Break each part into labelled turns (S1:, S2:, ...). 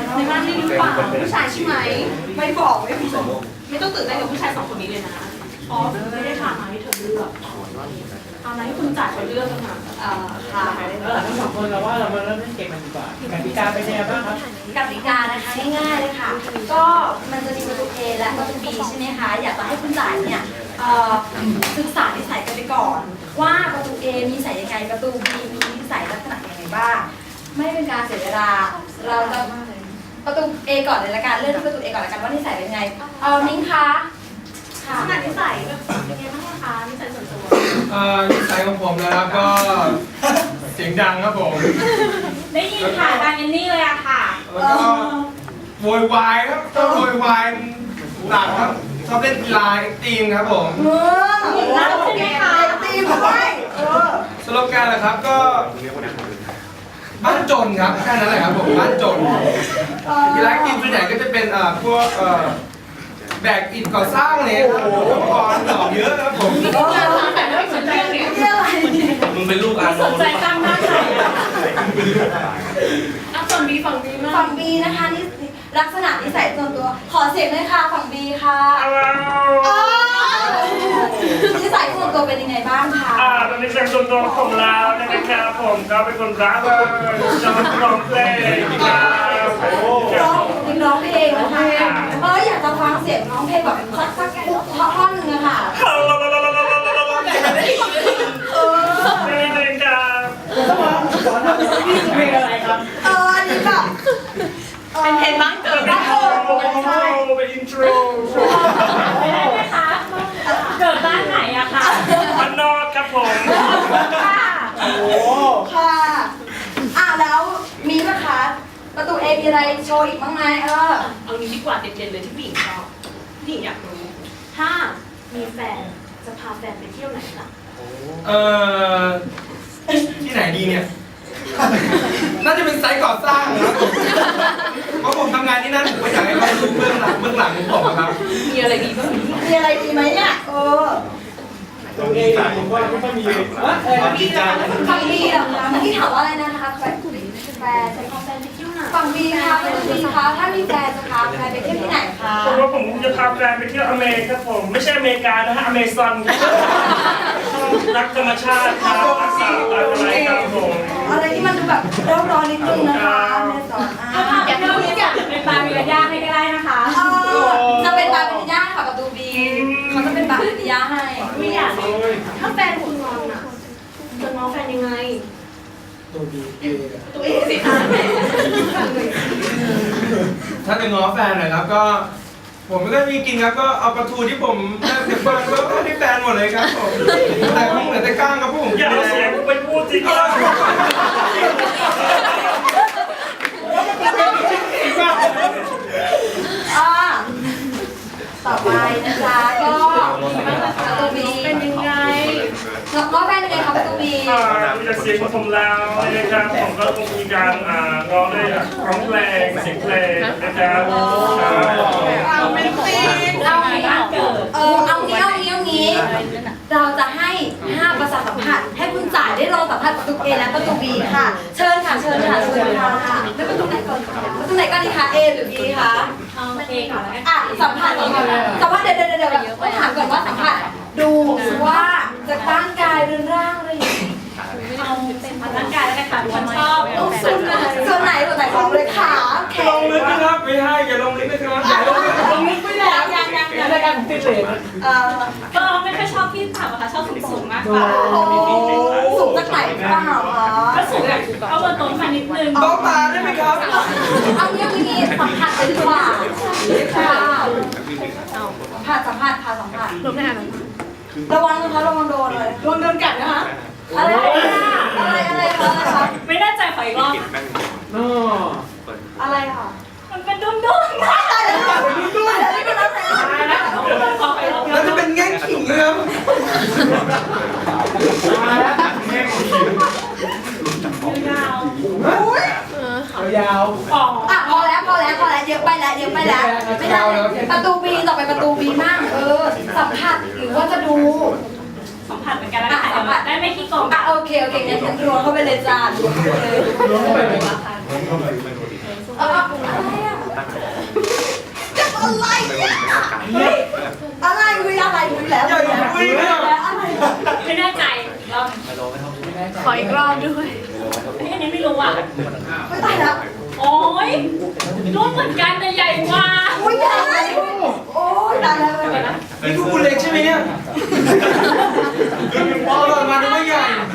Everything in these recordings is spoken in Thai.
S1: ในบ้านนี่หรือเปล่าผู้ชายใช่ไหมไม่บอกไม่ต้องตื่นเต้นกับผู้ชาย2 คนนี้เลยนะอ๋อไม่ได้ถามมาให้เธอเลือกเอามาให้คุณจ่ายเขาเลือกกันมาค่ะ
S2: ทั้ง2 คนเราว่าเรามาเริ่มเล่นเกมกันดีกว่ากติกาเป็นยังไงบ้างครับ
S3: กติกานะคะง่ายๆเลยค่ะ ก็มันจะมีประตู A และประตู B ใช่ไหมคะอยากจะให้คุณจ่ายเนี่ยศึกษานิสัยกันไปก่อนว่าประตู A มีนิสัยยังไงประตู B มีนิสัยลักษณะยังไงบ้างไม่เป็นการเสียเวลาเราจะประตู A ก่อนเลยละกันเริ่มที่ประตู A ก่อนละกันว่านิสัยเป็นยังไงมิ้งคะ
S1: ค่ะนิสัยเป็นยังไงบ้างคะนิสัยส่วนตัว
S4: นิสัยของผมนะครับก็เสียงดังครับผม
S1: ได้ยินค่ะดังเอนนี่เลยอะค่ะ
S4: แล้วก็โวยวายครับชอบโวยวายหนักครับชอบเล่นกีฬาทีมครับผม
S1: รักใช่ไหมคะ
S3: ตีมด้วย
S4: สโลแกนเหรอครับก็บ้านจนครับแค่นั้นแหละครับผมบ้านจนกีฬาทีมส่วนใหญ่ก็จะเป็นพวกแบกอิฐก่อสร้างเนี่ยครับอุปกรณ์หล่อเยอะครับผม
S1: แต่ไม่สนใจเนี่ย
S4: มึงเป็นลูกอาโน
S1: สนใจตั้งหน้าใครฝั่งบีฝั่งบีมาก
S3: ฝั่ง B นะคะนี่ลักษณะนิสัยส่วนตัวขอเสียงเลยค่ะฝั่ง B ค่ะนิสัยส่วนตัวเป็นยังไงบ้างคะ
S2: ตอนนี้นิสัยส่วนตัวของเรานะครับผมก็เป็นคนรักชอบร้องเพลงครับ
S3: ร้องเพลงนะคะอยากจะฟังเสียงร้องเพลงแบบสักท่อนหนึ่งอะค่ะ
S2: นี่เลยครับเพลงอะไรครับ
S3: อันนี้แบบ
S1: เป็นเพลงบ้างเกิด
S2: เป็นอินโทร
S1: ไม่ได้ไหมคะเกิดบ้านไหนอะคะ
S2: บ้านนอกครับผม
S3: ค่ะโอ้ค่ะแล้วมีไหมคะประตู A มีอะไรโชว์อีกบ้างไหม
S1: เอานี้ดีกว่าเด่นๆเลยที่ผู้หญิงชอบผู้หญิงอยากรู้ถ้ามีแฟนจะพาแฟนไปเที่ยวไหนล่ะ
S4: ที่ไหนดีเนี่ยน่าจะเป็นไซต์ก่อสร้างนะครับเพราะผมทำงานที่นั่นผมก็อยากให้เขาดูเบื้องหลังของผมครับ
S1: มีอะไรดีบ้าง
S3: มีอะไรดีไหมเนี่ย
S2: ตรงนี้ผมว่าไม่ค่อยมี
S3: ฝั่งบีเหรอคะเมื่อกี้ถามว่าอะไรนะคะแฟน
S1: จะพาแฟนไปเที่ยวไหน
S3: ฝั่งบีค่ะเป็นบีคะถ้ามีแฟนจะพาแฟนไปเที่ยวที่ไหนคะ
S2: ผมว่าผมจะพาแฟนไปเที่ยวอเมริกาครับผมไม่ใช่อเมริกานะฮะอเมซอนรักธรรมชาติครับรักษาอะไรครับผม
S3: อะไรที่มันดูแบบร้อนนิดนึงนะคะอเมซอน
S1: ถ้าพาไปเที่ยวนี้อยากเป็นปลาวิลล่าให้ก็ได้นะคะ
S3: จะเป็นบาร์บิย่าค่ะประตูบีเขาจะเป็นบาร์บิย่าให้
S1: ไม่อยากถ้าแฟนคุณงอนอ่ะจะง้อแฟนยังไงตัวเองสิคะ
S4: ถ้าจะง้อแฟนหน่อยครับก็ผมไม่ได้มีกินครับก็เอาปลาทูที่ผมได้เก็บบ้านก็ให้แฟนหมดเลยครับผมแต่ผมเหลือแต่ก้างครับผม
S2: อย่าเอาเสียงไปพูดจริง
S3: ต่อไปนะคะก็ประตูบี
S1: เป็นยังไง
S3: ก็แฟนยังไงคะประตูบี
S2: จากเสียงของผมแล้วนะครับผมก็คงมีการร้องด้วยร้องเพลงเสียงเพลงนะครับ
S1: ไม่ตีเอา
S3: งี้เราจะให้5ประสาทสัมผัสให้คุณจ่ายได้ลองสัมผัสประตู A และประตู B ค่ะเชิญค่ะไม่ประตูไหนก่อนดีคะ A หรือ B คะ
S1: A ก่อนแล้ว
S3: สัมผัสเดี๋ยวต้องถามก่อนว่าสัมผัสดูว่าจะตั้งกายหรือร่างอะไรอย่างนี้
S1: เอาเป็นร่างกายแล้วกันค่ะฉันชอบ
S3: ส่วนไหนของเลยขา
S4: ลงลึกนะครับไม่ให้อย่าลงลึกนะครับ
S1: ลงลึกไม่แล้วยัง
S2: รายการติดเลน
S1: ก็ไม่ค่อยชอบที่ต่ำอะค่ะชอบสูงมากกว่า
S3: สูงจากไหนบ้าง
S1: ก็สูงแบบเอาบนโต๊ะมานิดนึง
S4: โต๊ะตาได้ไหมครับ
S3: เอาเรื่องนี้สัมผัสไปดีกว่าค่ะสัมผัส
S1: ลงได้ไหม
S3: ระวังนะคะระวังโดนเลย
S1: โดนกัดนะคะ
S3: อะไรคะ
S1: ไม่แน่ใจขออีกรอบ
S3: อะไรค่ะ
S1: มันเป็นดุ้งๆ
S4: แล้วจะเป็นแง่งขิงครับ
S2: ยาว
S3: พอแล้วเยอะไปแล้วไม่ได้ประตูบีต่อไปประตูบีมากสัมผัสหรือว่าจะดู
S1: สัมผัสเหมือนกันแล้วสัมผัสได้ไม่ขี้โกง
S3: โอเคงั้นรัวเข้าไปเลยจ้ารัวเข้าไปเลยอะไรแล้ว
S4: อย่าอย่าคุยนะ
S3: อะไร
S1: ไม่แน่ใจรอบ
S5: ขออีกรอบด้วย
S1: อันนี้ไม่รู้อ่ะ
S3: ไม่ตายแล้ว
S1: โอ้ยรูปเหมือนกันแต่ใหญ่กว่า
S3: โอ้ยใหญ่โอ้ยตายแล้ว
S4: นี่ดูคุณเล็กใช่ไหมเนี่ยพอหล่นมาดูไม่ใหญ่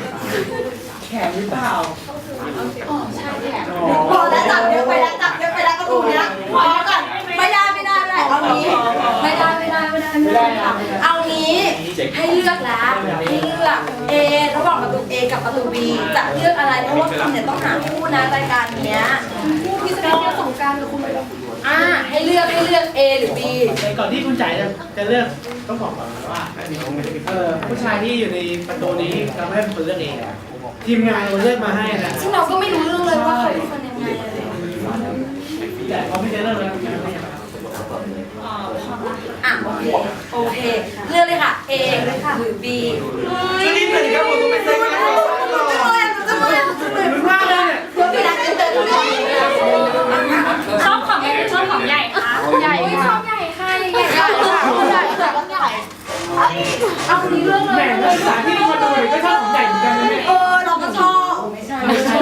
S3: พอแล้วจับเยอะไปแล้วจับเยอะไปแล้วกระตูเนี้ยพอก่อนไม่ได้เอางี้ไม่ได้ค่ะเอางี้ให้เลือกแล้วให้เลือก A ระหว่างประตู A กับประตู B จะเลือกอะไรเพราะว่าคุณเนี่ยต้องหาคู่นะรายการเนี้ยคู่ที่แสดงที่สงการกับคุณไปแล้วให้เลือก A หรือ B
S6: ก่อนที่คุณจ่ายจะเลือกต้องบอกก่อนว่าผู้ชายที่อยู่ในประตูนี้เราไม่ได้เป็นคนเลือกเองทีมงานเราเลือกมาให้นะ
S3: ซึ่งเราก็ไม่รู้เรื่องเลยว่าเขาเป็นคนยังไงอะไร
S6: แต่เขาไม่ได้เลือกแล้ว
S3: โอเคเลือกเลยค่ะ A หรือ B
S4: จะรีบเลยครับผมไม่ใช่งานก่อสร้างหรอก
S6: รู้มากเลยเนี่ย
S3: เดี๋ยวไปร้านเดิน
S1: ชอบของเล็กหรือชอบของใหญ่คะ
S5: ใหญ่ค่ะ
S3: ใหญ่ค่ะใหญ่ค่ะใหญ่แต่ว่าใหญ่เอาคนนี้เรื่องเล
S6: แหม
S3: ย
S6: นักศึกษาที่นี่มาดูก็ชอบของใหญ่เหมือนกันนะเนี่ย
S3: เราก็ชอบไม่ใช่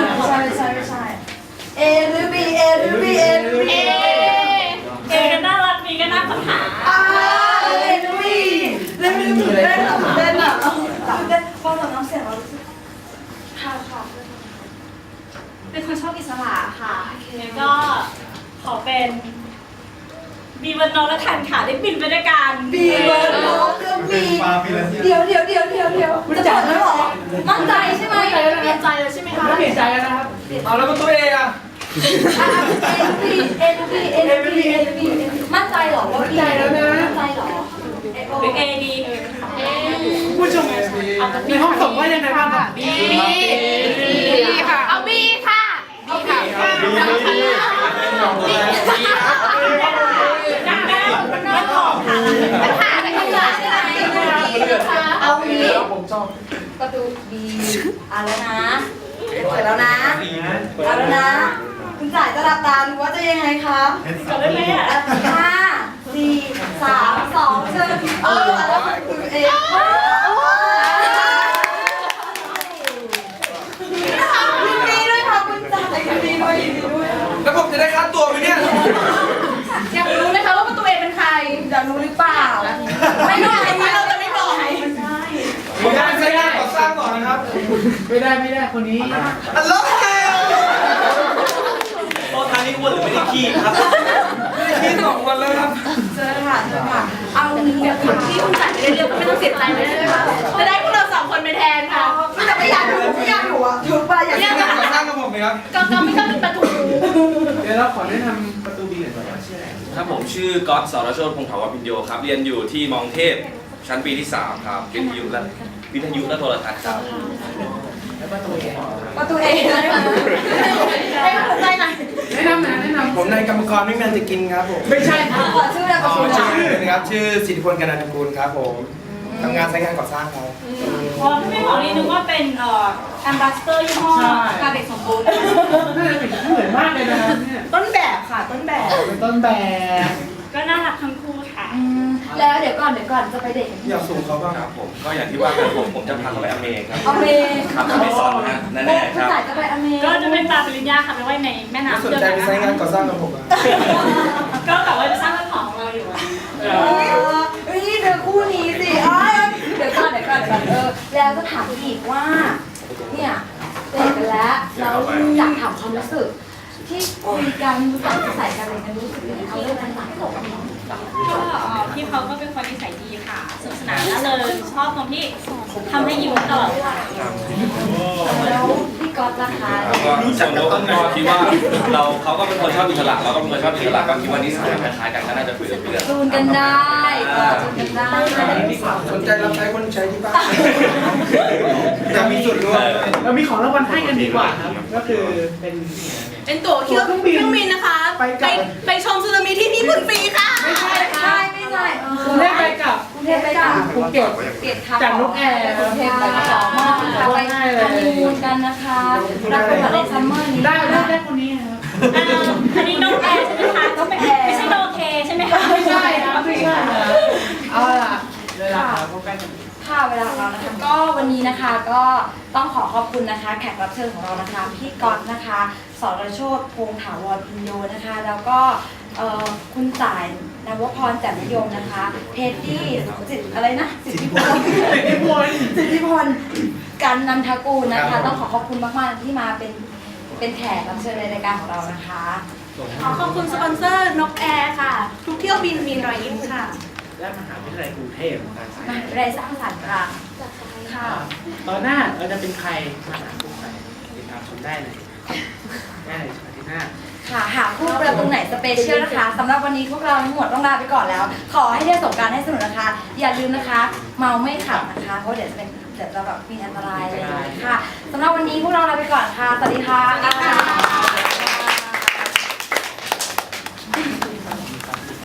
S3: A หรือ B A หรือ B A หรือ B
S1: เอก็น่ารักมีก็น่าค้นหา
S3: A หรือ B เล่นเต้นอ่ะพอเราน้ำเสียงเราค่ะ
S1: เป็นคนชอบอิสระค่ะแล้วก็ขอเป็นบีวันนอและทันค่ะได้บินไปด้วยกัน
S3: B เบิร์ดเรื่อง B เดี๋ยวจะจบแล้วหรอมั่นใจใช่ไหม
S5: เปลี่ยนใจเลยใช่ไหมคะ
S6: ไม่เปลี่ยนใจแล้วนะครับ
S4: เอาแล้วประตูเออะ
S3: A หรือ B มั่นใจหรอว่า B มั่นใจหรอ
S1: หรือเอดี
S6: ผู้ชมในห้องส่งว่ายังไงบ้างครับ
S5: บีค่ะ เอาบีค่ะบีค่ะ
S1: ดังแล้วมันของค่ะ
S5: ปัญหาอะไรกันล่ะใช่ไหม
S3: เอางี้ประตู B แล้วนะเปิดแล้วนะเอาแล้วนะ คุณจ่ายจะรับตาหรือว่าจะยังไงคะ
S1: จบได้ไหมอ่ะ
S3: 5 4 3 2เชิญแล้วคุณเองยินดีด้วยค่ะคุณจ่ายยินดีด้วย
S4: แล้วผมจะได้ค่าตัวไหมเนี่ย
S5: อยากรู้ไหมคะว่าประตูเอเป็นใคร
S3: จะรู้หรือเปล่าไม่รู้อันนี้เราจะไม่บอก
S4: ผมจะเป็นไซต์งานก่อสร้างก่อนนะครับ
S6: ไม่ได้คนนี้
S4: อัลโหล
S2: โอ้ทางนี้อ้วนหรือไม่ได้ขี้ครับ
S4: ไม่ได้คิด2 วันแล้วครับ
S3: เจอค่ะเอางี้เดี๋ยวคุณที่คุณจ่ายไม่ได้เลือกก็ไม่ต้องเสียใจไม่ได้เลยค่ะจะได้พวกเรา2 คนไปแทนค่ะแต่ไม่อยากอยู่อ่ะถูกป่ะอยาก
S4: นี่งานก่อสร้างกับผมไหมครับ
S5: ก็ไม่ต้องเป็นประตู
S6: เดี๋ยวเราขอแนะนำประตูบีหน่อยก่อนว่าชื่ออะไร
S7: ครับผมชื่อก๊อตสรโชติพงศ์ถาวรพิญโยครับเรียนอยู่ที่มองเทพชั้นปีที่ 3 ครับวิทยุและโทรทัศน์ครับ
S6: แล้วประตูเอ
S3: ประตูเองเลยค่ะให้กำลังใจหน่อย
S6: แนะนำ
S4: ผมนายกรรมกรไม่แมนจะกินครับผม
S6: ไม่ใช่
S3: ขอชื่อนะขอชื่อ
S4: ชื่อนะครับชื่อสิทธิพลกนันทกุลครับผมทำงานไซต์งานก่อสร้างครับ
S1: อ๋อถ้าไม่บอกนี่นึกว่าเป็นแอมบาสเตอร์ยี่ห้อการเด็กสมบูรณ์
S6: น่าจะเป็นเหมือนมากเลยนะครับเนี่ย
S3: ต้นแบบค่ะต้นแบบ
S6: เป็นต้นแบบ
S1: ก็น่ารักทั้งคู่ค่ะ
S3: แล้วเดี๋ยวก่อนจะไปเด็ก
S4: อยากสูงเขาบ้าง
S7: ครับผมก็อย่างที่ว่ากันผมจะพาเขาไปอเมริกครับ
S3: อเมริก
S7: ครับอเมซอนนะแน่ๆ
S3: คุ
S7: ค
S3: ณ
S7: รับ
S3: จ่ายจะไปอเมริก
S1: ก็จะเป็นปลาปริญญาค่ะไปไว้ในแม่
S4: ไม่
S1: น้ำ
S4: สน
S1: เดือ
S4: ใจไปไซต์งานก่อสร้างกับผมอ่ะ
S1: ก็แบบว่าจะสร้างเรื่องของเราอยู่อะ
S3: เฮ้ยเดี๋ยวคู่นี้สิเดี๋ยวก่อนแล้วจะถามอีกว่าเนี่ยเด็กกันแล้วเราอยากถามความรู้สึกที่คุยกันใส่กันอะไรกันรู้สึกยังไงเขาเรื่องกันหลัง
S1: ก็พี่เขาก็เป็นคนนิสัยดีค่ะสนุกสนานแล้วเลยชอบตรงที่ทำให้ยิ้มตลอดเวลา
S3: แล้วพี่ก๊อตราคา
S7: แล้วก็จากต้นก็คิดว่าเขาก็เป็นคนชอบอิสระเราก็เป็นคนชอบอิสระก็คิดว่านิสัยคล้ายๆกันก็น่าจะคุยกันเรื่อง
S3: จูนกันได้จูนกันได้
S4: สนใจรับใช้คนใช้ที่บ้านอยากมีส่วนร่วม
S6: เรามีของรางวัลให้กันดีกว่าครับก็คือเป็น
S5: เป็นตั๋วเครื่องบินนะคะ ไปชมสึนามิที่ญี่ปุ่นฟรีค่ะ
S6: ไม่ใช่
S3: ไม่ใช่
S6: กรุงเทพไปกับ
S3: กรุงเทพไปกับ
S6: ภูเก็ต
S3: เปลี่ยนทับ
S6: จากนกแอร์
S3: กรุงเทพไปกับมากค่ะไปฮันนีมูนกันนะคะรับประทานในซัมเมอร์นี้
S6: ได้คนนี้ครับ
S1: อันนี้โนแอร์ใช่ไหมคะไม่ใช่โนเคใช่ไหมคะ
S6: ไม่ใช่ครับไม่ใช่ครับเอาล่ะเลยล่ะครับ
S3: นะคะก็ต้องขอขอบคุณนะคะแขกรับเชิญของเรานะคะพี่ก๊อตนะคะสรโชติพงษ์ถาวรพินโยนะคะแล้วก็คุณต่ายนวพรแจ่มนิยมนะคะเทดดี้อะไรนะสิทธิพลกันนันทกูลนะคะต้องขอขอบคุณมากๆที่มาเป็นแขกรับเชิญในรายการของเรานะคะ
S5: ขอขอบคุณสปอนเซอร์นกแอร์ค่ะ ทุกเที่ยวบินมีรอยยิ้มค่ะ
S6: และมหาวิทยาลัยกรุงเทพการสาย
S3: มหาวิทยาลัยสร้างสรรค์ค่ะค่ะ
S6: ตอนหน้าเราจะเป็นใครมาหาคู่ใครติดตามชมได้เลยได้เลยอาทิตย์หน้า
S3: ค่ะหาคู่ประตูไหนสเปเชียลนะคะสำหรับวันนี้พวกเราทั้งหมดต้องลาไปก่อนแล้ว ขอให้ได้สงกรานต์ให้สนุกนะคะ อย่าลืมนะคะ เมาไม่ขับนะคะเพราะเดี๋ยวจะแบบมีอันตรายอะไรอย่างเงี้ยค่ะสำหรับวันนี้พวกเราลาไปก่อนค่ะสวัสดีค่ะ